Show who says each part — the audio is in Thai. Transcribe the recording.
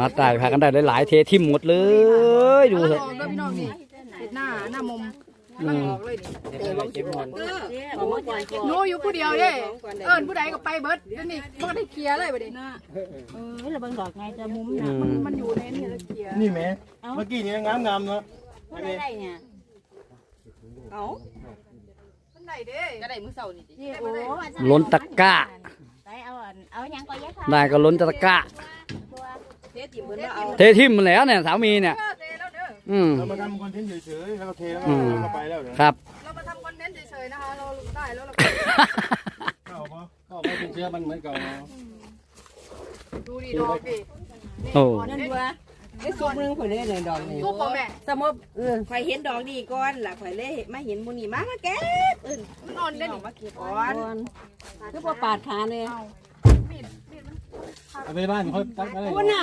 Speaker 1: ได้พากันได้หลายๆเททิมหมดเลยดูเถอะ
Speaker 2: พี่น้องนี่เห็ดหน้ามุมลังออกเลยนี่โน้อยู่ผู้เดียวเด้ผู้ใดก็ไปเบิดเดี๋ยวนี้มันก็ได้เคลียร์เลยประเด็น
Speaker 3: เราเบิ่งดอกไงจะมุม
Speaker 2: มันอยู่ในนี่แล้วเคลียร์
Speaker 4: นี่แม่เมื่อกี้นี่งามเนาะ
Speaker 3: ไม่ได้เนี่ยเอา
Speaker 2: มันไหนเด้ก็ได้มือเสานี่
Speaker 3: โอ้
Speaker 1: ล้นตะกร้า
Speaker 3: เอายังก็ยัด
Speaker 1: ได้ก็ล้นตะกร้าเททิมมันแล้วเนี่ยสามีเนี่ย
Speaker 4: เรามาทำคอนเทนต์เฉยๆแล้วก็เทแล้วก็ไปแล้ว
Speaker 1: ครับ
Speaker 2: เรามาทำคอนเทนต์เฉยๆนะคะเราได้แล้วเรา
Speaker 4: เข้าไปเป็นเชื้อมันเหมือนเก่า
Speaker 2: ดูดีดอกดิ
Speaker 1: โอ้
Speaker 3: นั่นดูว่าไอ้ซุปนึงข่อยเลยดอกนี่
Speaker 2: ลูกพ่อแม่
Speaker 3: สมมติข่อยเห็นดอกนี่ก่อนล่ะข่อยเลยมาเห็นมูนี่มาแก้
Speaker 2: มันอ่อนได้หนิ
Speaker 3: มาเก็บก่อนคือว่าปาดขาเลย
Speaker 4: เอาไปบ้านค่อยตัดอะไร